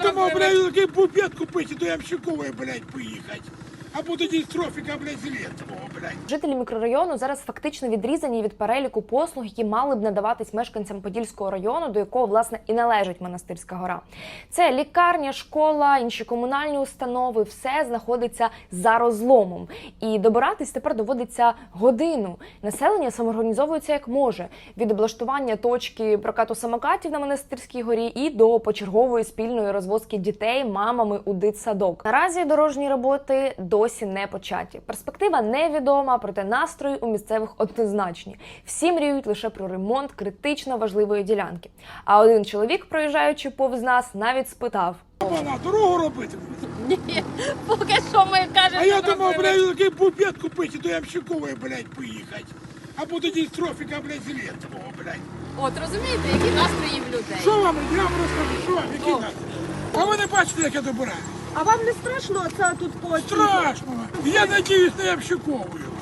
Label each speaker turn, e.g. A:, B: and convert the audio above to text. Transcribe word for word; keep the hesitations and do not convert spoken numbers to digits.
A: думав, блядь, такий бубет купити до Ямщикової, блядь, поїхати. Або до дистрофіка, блядь, Зеленського, блядь.
B: Жителі мікрорайону зараз фактично відрізані від переліку послуг, які мали б надаватись мешканцям Подільського району, до якого, власне, і належить Монастирська гора. Це лікарня, школа, інші комунальні установи, все знаходиться за розломом. І добиратись тепер доводиться годину. Населення самоорганізовується як може. Від облаштування точки прокату самокатів на Монастирській горі і до почергової спільної розвозки дітей мамами у дитсадок. Наразі дорожні роботи досі не початі. Перспектива невідома, проте настрої у місцевих однозначні. Всі мріють лише про ремонт критично важливої ділянки. А один чоловік, проїжджаючи повз нас, навіть спитав:
A: Вона дорогу робити?
C: Ні, поки що ми кажемо,
A: А я
C: що
A: думав,
C: робили.
A: блядь, такий бубет купити до Ямщикової, блядь, поїхати. Або до дистрофіка, блядь, Зеленського, блядь.
C: От розумієте, які настрої в людей.
A: Що вам, я вам розкажу, що вам, які настрої? А ви не бачите, як я добираю?
D: А вам не страшно це тут по
A: Страшно. Я надіюсь на Ямщиковою.